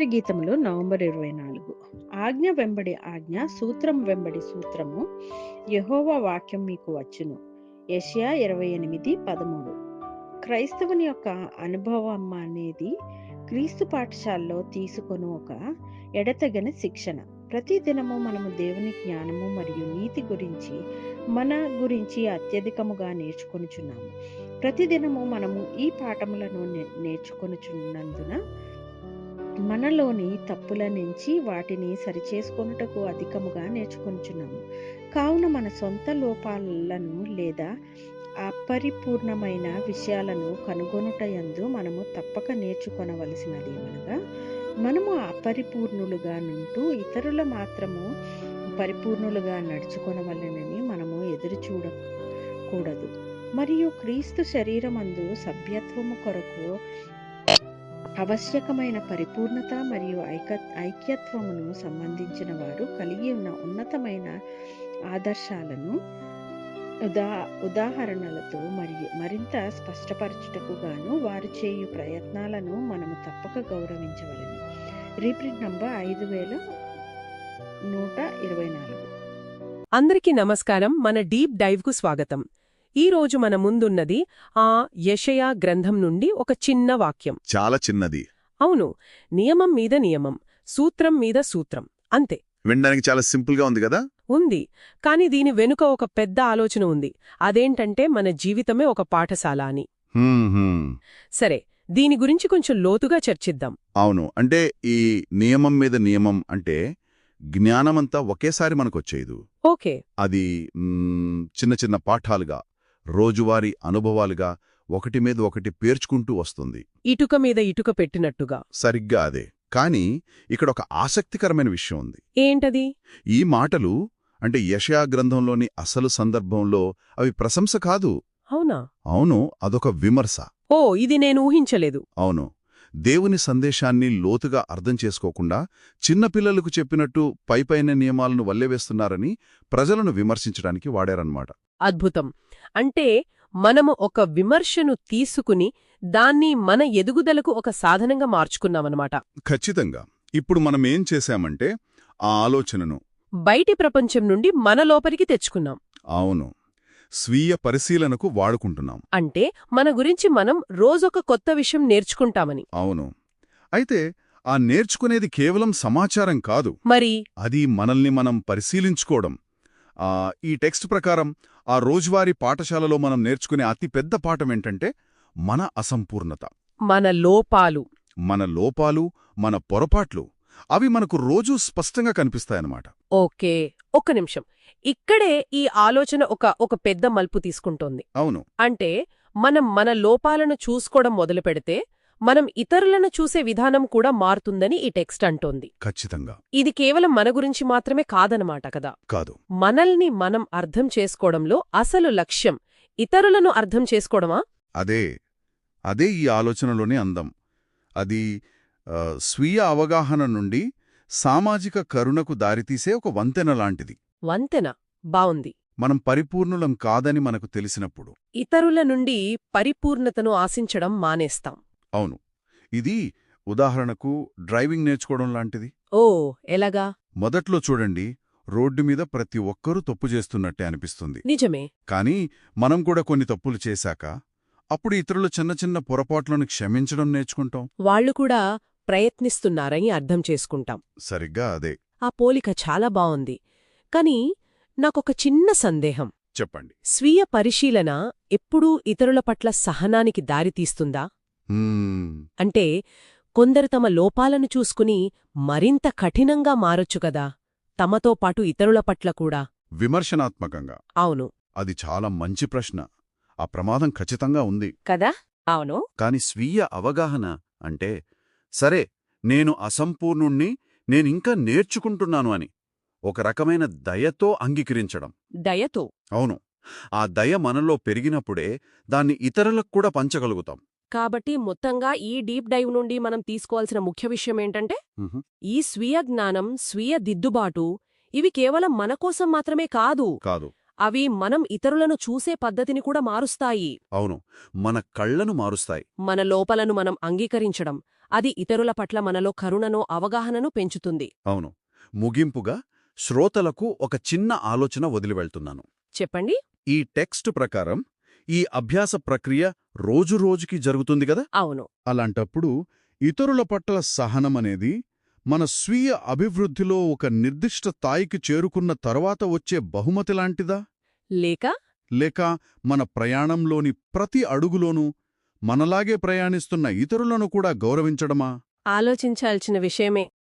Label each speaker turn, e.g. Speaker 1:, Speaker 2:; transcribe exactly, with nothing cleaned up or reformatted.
Speaker 1: Gayatri గీతములు November ఇరవై నాలుగు. ఆజ్ఞ వెంబడి ఆజ్ఞ, సూత్రం వెంబడి సూత్రము, యెహోవా వాక్యం మీకు వచ్చును. యెషయా ఇరవై ఎనిమిది పదమూడు. క్రైస్తవుని యొక్క అనుభవం అనేది క్రీస్తు పాఠశాలలో తీసుకొని ఒక ఎడతెగని శిక్షణ. ప్రతి దినము మనము దేవుని జ్ఞానము మరియు నీతి గురించి మన గురించి అత్యధికముగా నేర్చుకొనుచున్నాము. ప్రతిదినము మనము ఈ పాఠములను నేర్చుకొనుచున్నందున మనలోని తప్పుల నుంచి వాటిని సరిచేసుకొనుటకు అధికముగా నేర్చుకొనుచున్నాము. కావున మన సొంత లోపాలను లేదా అపరిపూర్ణమైన విషయాలను కనుగొనుట యందు మనము తప్పక నేర్చుకొనవలసినది ఏమనగా, మనము అపరిపూర్ణులుగా నుంటూ ఇతరుల మాత్రము పరిపూర్ణులుగా నడుచుకొనవలెనని మనము ఎదురు చూడకూడదు. మరియు క్రీస్తు శరీరమందు సభ్యత్వము కొరకు ఆవశ్యకమైన పరిపూర్ణత మరియు ఐక ఐక్యత్వమును సంబంధించిన వారు కలిగి ఉన్న ఉన్నతమైన ఆదర్శాలను ఉదా ఉదాహరణలతో మరియు మరింత స్పష్టపరచుటకు గాను వారు చేయు ప్రయత్నాలను మనము తప్పక గౌరవించవలెను. రీప్రింట్ నంబర్ ఐదు వేల నూట ఇరవై నాలుగు.
Speaker 2: అందరికీ నమస్కారం. మన డీప్ డైవ్కు స్వాగతం. ఈ రోజు మన ముందున్నది ఆ యెషయా గ్రంథం నుండి ఒక చిన్న వాక్యం.
Speaker 3: చాలా చిన్నది.
Speaker 2: అవును, నియమం మీద నియమం, సూత్రం మీద సూత్రం, అంతే.
Speaker 3: వినడానికి చాలా సింపుల్ గా ఉంది కదా.
Speaker 2: ఉంది, కాని దీని వెనుక ఒక పెద్ద ఆలోచన ఉంది. అదేంటంటే మన జీవితమే ఒక పాఠశాల అని.
Speaker 3: హ్మ్, హ్మ్.
Speaker 2: సరే, దీని గురించి కొంచెం లోతుగా చర్చిద్దాం.
Speaker 3: అవును, అంటే ఈ నియమం మీద నియమం అంటే జ్ఞానమంతా ఒకేసారి మనకొచ్చేదు.
Speaker 2: ఓకే.
Speaker 3: అది మ్, చిన్న చిన్న పాఠాలుగా, రోజువారీ అనుభవాలుగా ఒకటి మీద ఒకటి పేర్చుకుంటూ వస్తుంది.
Speaker 2: ఇటుక మీద ఇటుక పెట్టినట్టుగా.
Speaker 3: సరిగ్గా అదే. కానీ ఇక్కడ ఒక ఆసక్తికరమైన విషయం ఉంది.
Speaker 2: ఏంటది?
Speaker 3: ఈ మాటలు అంటే యెషయా గ్రంథంలోని అసలు సందర్భంలో అవి ప్రశంస కాదు.
Speaker 2: అవునా?
Speaker 3: అవును, అదొక విమర్శ.
Speaker 2: ఓ, ఇది నేను ఊహించలేదు.
Speaker 3: అవును, దేవుని సందేశాన్ని లోతుగా అర్థం చేసుకోకుండా చిన్నపిల్లలకు చెప్పినట్టు పైపైన నియమాలను వల్లెవేస్తున్నారని ప్రజలను విమర్శించడానికి వాడారన్నమాట.
Speaker 2: అద్భుతం. అంటే మనము ఒక విమర్శను తీసుకుని దాన్ని మన ఎదుగుదలకు ఒక సాధనంగా మార్చుకున్నామన్నమాట.
Speaker 3: ఖచ్చితంగా. ఇప్పుడు మనం ఏం చేశామంటే ఆ ఆలోచనను
Speaker 2: బయటి ప్రపంచం నుండి మన లోపలికి తెచ్చుకున్నాం.
Speaker 3: అవును, స్వీయ పరిశీలనకు వాడుకుంటున్నాం.
Speaker 2: అంటే మన గురించి మనం రోజొక కొత్త విషయం నేర్చుకుంటామని.
Speaker 3: అవును. అయితే ఆ నేర్చుకునేది కేవలం సమాచారం కాదు,
Speaker 2: మరి
Speaker 3: అది మనల్ని మనం పరిశీలించుకోవడం. ఆ ఈ టెక్స్ట్ ప్రకారం ఆ రోజువారీ పాఠశాలలో మనం నేర్చుకునే అతి పెద్ద పాఠం ఏంటంటే మన అసంపూర్ణత,
Speaker 2: మన లోపాలు.
Speaker 3: మన లోపాలు, మన పొరపాట్లు. అవి మనకు రోజూ స్పష్టంగా కనిపిస్తాయన్నమాట.
Speaker 2: ఓకే, ఒక్క నిమిషం. ఇక్కడే ఈ ఆలోచన ఒక ఒక పెద్ద మలుపు తీసుకుంటోంది.
Speaker 3: అవును.
Speaker 2: అంటే మనం మన లోపాలను చూసుకోవడం మొదలుపెడితే మనం ఇతరులను చూసే విధానం కూడా మారుతుందని ఈ టెక్స్ట్ అంటోంది.
Speaker 3: ఖచ్చితంగా.
Speaker 2: ఇది కేవలం మన గురించి మాత్రమే కాదనమాట కదా.
Speaker 3: కాదు.
Speaker 2: మనల్ని మనం అర్థం చేసుకోవడంలో అసలు లక్ష్యం ఇతరులను అర్థం చేసుకోవడమా?
Speaker 3: అదే అదే ఈ ఆలోచనలోనే అందం. అది ఆ, స్వీయ అవగాహన నుండి సామాజిక కరుణకు దారితీసే ఒక వంతెన లాంటిది.
Speaker 2: వంతెన బావుంది.
Speaker 3: మనం పరిపూర్ణులం కాదని మనకు తెలిసినప్పుడు
Speaker 2: ఇతరుల నుండి పరిపూర్ణతను ఆశించడం మానేస్తాం.
Speaker 3: అవును. ఇది ఉదాహరణకు డ్రైవింగ్ నేర్చుకోవడం లాంటిది.
Speaker 2: ఓ, ఎలాగా?
Speaker 3: మొదట్లో చూడండి, రోడ్డు మీద ప్రతి ఒక్కరూ తప్పు చేస్తున్నట్టే అనిపిస్తుంది.
Speaker 2: నిజమే.
Speaker 3: కానీ మనం కూడా కొన్ని తప్పులు చేశాక అప్పుడు ఇతరుల చిన్న చిన్న పొరపాట్లను క్షమించడం నేర్చుకుంటాం.
Speaker 2: వాళ్లు కూడా ప్రయత్నిస్తున్నారని అర్థం చేసుకుంటాం.
Speaker 3: సరిగ్గా అదే.
Speaker 2: ఆ పోలిక చాలా బావుంది. కాని నాకొక చిన్న సందేహం.
Speaker 3: చెప్పండి.
Speaker 2: స్వీయ పరిశీలన ఎప్పుడూ ఇతరుల పట్ల సహనానికి దారితీస్తుందా?
Speaker 3: హ్మ్.
Speaker 2: అంటే కొందరు తమ లోపాలను చూసుకుని మరింత కఠినంగా మారొచ్చు కదా, తమతో పాటు ఇతరుల పట్ల కూడా.
Speaker 3: విమర్శనాత్మకంగా.
Speaker 2: అవును.
Speaker 3: అది చాలా మంచి ప్రశ్న. ఆ ప్రమాదం ఖచ్చితంగా ఉంది
Speaker 2: కదా. అవును.
Speaker 3: కాని స్వీయ అవగాహన అంటే, సరే నేను అసంపూర్ణుణ్ణి, నేనింకా నేర్చుకుంటున్నాను అని ఒక రకమైన దయతో అంగీకరించడం.
Speaker 2: దయతో.
Speaker 3: అవును. ఆ దయ మనలో పెరిగినప్పుడే దాన్ని ఇతరులకు కూడా పంచగలుగుతాం.
Speaker 2: కాబట్టి మొత్తంగా ఈ డీప్ డైవ్ నుండి మనం తీసుకోవాల్సిన ముఖ్య విషయం ఏంటంటే, ఈ స్వీయ జ్ఞానం, స్వీయ దిద్దుబాటు ఇవి కేవలం మనకోసం మాత్రమే కాదు
Speaker 3: కాదు
Speaker 2: అవి మనం ఇతరులను చూసే పద్ధతిని కూడా మారుస్తాయి.
Speaker 3: అవును, మన కళ్లను మారుస్తాయి.
Speaker 2: మన లోపలను మనం అంగీకరించడం, అది ఇతరుల పట్ల మనలో కరుణను అవగాహనను పెంచుతుంది.
Speaker 3: అవును. ముగింపుగా శ్రోతలకు ఒక చిన్న ఆలోచన వదిలివెళ్తున్నాను.
Speaker 2: చెప్పండి.
Speaker 3: ఈ టెక్స్ట్ ప్రకారం ఈ అభ్యాస ప్రక్రియ రోజురోజుకి జరుగుతుంది గదా?
Speaker 2: అవును.
Speaker 3: అలాంటప్పుడు ఇతరుల పట్ల సహనమనేది మన స్వీయ అభివృద్ధిలో ఒక నిర్దిష్ట స్థాయికి చేరుకున్న తర్వాత వచ్చే బహుమతి లాంటిదా?
Speaker 2: లేక
Speaker 3: లేక మన ప్రయాణంలోని ప్రతి అడుగులోనూ మనలాగే ప్రయాణిస్తున్న ఇతరులను కూడా గౌరవించడమా?
Speaker 2: ఆలోచించాల్సిన విషయమే.